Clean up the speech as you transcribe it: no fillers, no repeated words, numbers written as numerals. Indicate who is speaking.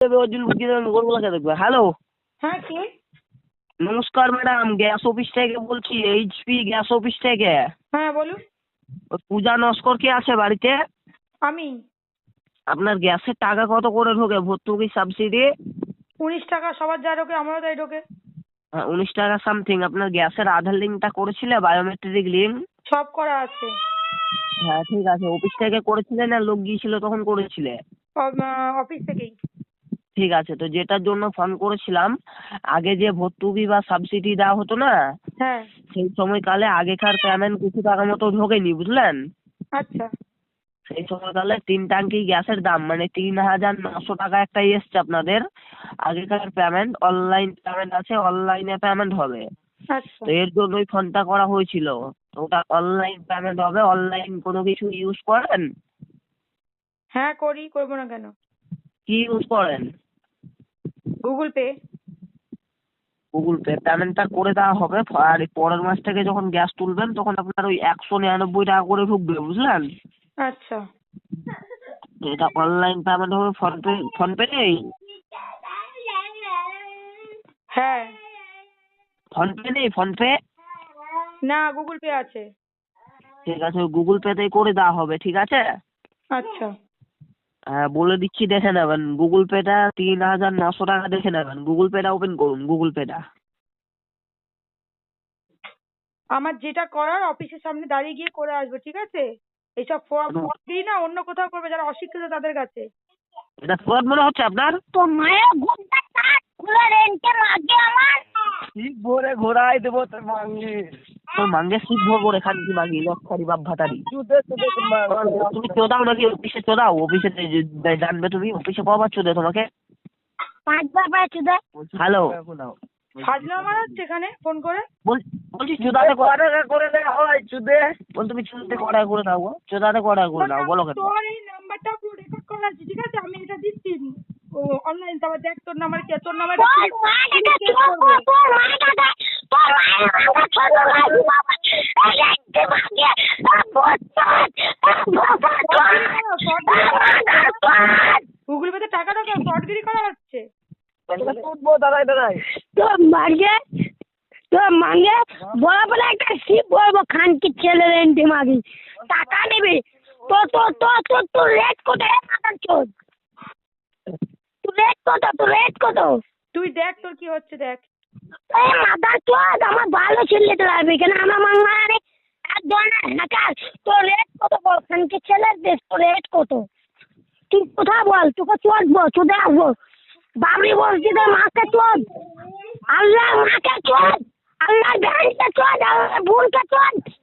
Speaker 1: Hello,
Speaker 2: হ্যাঁ কে?
Speaker 1: নমস্কার madam, gas office থেকে বলছি, এইচপি গ্যাস অফিস থেকে।
Speaker 2: হ্যাঁ বলুন।
Speaker 1: ওই পূজা নস্কর কি আছে বাড়িতে?
Speaker 2: আমি।
Speaker 1: আপনার গ্যাসের টাকা কত করে ঢোকে ভর্তুকি সাবসিডি?
Speaker 2: 19 টাকা সবার যা ঢোকে আমারও তাই ঢোকে।
Speaker 1: 19 টাকা সামথিং। আপনার গ্যাসের আধার লিঙ্কটা করেছিলে, বায়োমেট্রিক লিঙ্ক?
Speaker 2: সব করা আছে।
Speaker 1: হ্যাঁ ঠিক আছে, অফিস থেকে করেছিলে না লোক গিয়েছিল তখন করেছিলে?
Speaker 2: অফিস থেকেই।
Speaker 1: ঠিক আছে, তো যেটার জন্য ফোন করেছিলাম, আগে যে ভর্তুকি বা সাবসিডি দেওয়া হতো না,
Speaker 2: হ্যাঁ।
Speaker 1: সেই সময়কালে আগেকার পেমেন্ট কিছু টাকা মতো ঢোকেনি, বুঝলেন?
Speaker 2: আচ্ছা।
Speaker 1: সেই সময়কালে 3 ট্যাঙ্কি গ্যাসের দাম মানে 3,900 টাকা একটা এসছে আপনাদের। আগেকার পেমেন্ট অনলাইন পেমেন্ট আছে, অনলাইনে পেমেন্ট হবে।
Speaker 2: আচ্ছা।
Speaker 1: তো এর জন্যই ফোনটা করা হয়েছিল। তো ওটা অনলাইন পেমেন্ট হবে। অনলাইন কোনো কিছু ইউজ করেন?
Speaker 2: হ্যাঁ করি, করবো না কেন?
Speaker 1: কি ইউজ করেন?
Speaker 2: Google pay.
Speaker 1: গুগল পে পেমেন্টটা করে দেওয়া হবে। আর এই পরের মাস থেকে যখন গ্যাস তুলবেন তখন আপনার ওই 199 টাকা করে ঢুকবে, বুঝলেন?
Speaker 2: আচ্ছা।
Speaker 1: তো এটা অনলাইন পেমেন্ট হবে। ফোনপে নেই?
Speaker 2: হ্যাঁ।
Speaker 1: ফোনপে নেই? ফোনপে?
Speaker 2: না, গুগল পে আছে।
Speaker 1: ঠিক আছে, ওই গুগল পেতেই করে দেওয়া হবে, ঠিক আছে?
Speaker 2: আচ্ছা।
Speaker 1: হ্যাঁ বলে দিচ্ছি, দেখে নেবেন। গুগল পেটা 3,900 টাকা দেখে নেবেন। গুগল পেটা ওপেন করুন, গুগল পেটা।
Speaker 2: আমার যেটা করার অফিসের সামনে দাঁড়িয়ে গিয়ে করে আসবো, ঠিক আছে? এইসব ফর্ম দিই না, অন্য কোথাও করবে যারা অশিক্ষিত তাদের কাছে।
Speaker 1: এটা ফ্রড মনে হচ্ছে আপনার?
Speaker 3: তোর মায়ের ঘুমটা কাট খুলে রেন্টে লাগে আমার।
Speaker 1: শিব ভরে ঘোরাই দেবো তোর মাঙ্গে। তোর মাঙ্গে শিব ভরবো রে, খানকি মাগি লক্ষারি বাপ ভাতারি। তুমি চোদাও নাকি অফিসে? চোদাও অফিসে, জানবে তুমি অফিসে কবার চোদে তোমাকে?
Speaker 3: 5 বার বার চুদে।
Speaker 1: হ্যালো,
Speaker 2: ফাজলামো মারাচ্ছে এখানে ফোন করে।
Speaker 1: বলছি চোদাতে করে দেওয়া হয় চুদে। বল তুমি চুদতে কটা করে দাও গো, চোদাতে কটা করে দাও বলো কেন?
Speaker 2: তোর এই নাম্বারটা পুরো রেকর্ড করা আছে, ঠিক আছে? আমি এটা দিচ্ছি অনলাইন। তারপর দেখ তোর নাম্বার কি, তোর নাম্বার
Speaker 3: তোর মাটাকে চোদবো, তোর মাটাকে, তোর মায়ের মাথা ছোট লাগি বাবা। রেন্টে লাগে
Speaker 2: গুগল পেতে টাকা ঢোকা ফ্রডগিরি করা হচ্ছে।
Speaker 1: উঠবো, দাঁড়াই দাঁড়াই।
Speaker 3: তোর মাগে, তোর মাগে বড় বড় একটা শিপ বলবো, খানকি ছেলে রেন্টে মাগি টাকা নেবে। তোর রেট কত মাথার চোদ? তোর রেট কত?
Speaker 2: তুই দেখ তোর কি হচ্ছে, দেখ।
Speaker 3: এই মাথার চোদ, আমার ভালো ছেলেতে লাগবে কেন? আমার মাংমারে এক ধরনের হ্যাকার। তোর রেট কত বল? খানকি ছেলের দেশ, তোর রেট কত? তুই কোথায় বল, তোকে চোদবো, চোদে আসবো। বাবরি মসজিদের মাকে চোদ, আল্লাহ মাকে চোদ, আল্লাহ ভ্যানকে চোদ, আল্লাহ বোনকে চোদ।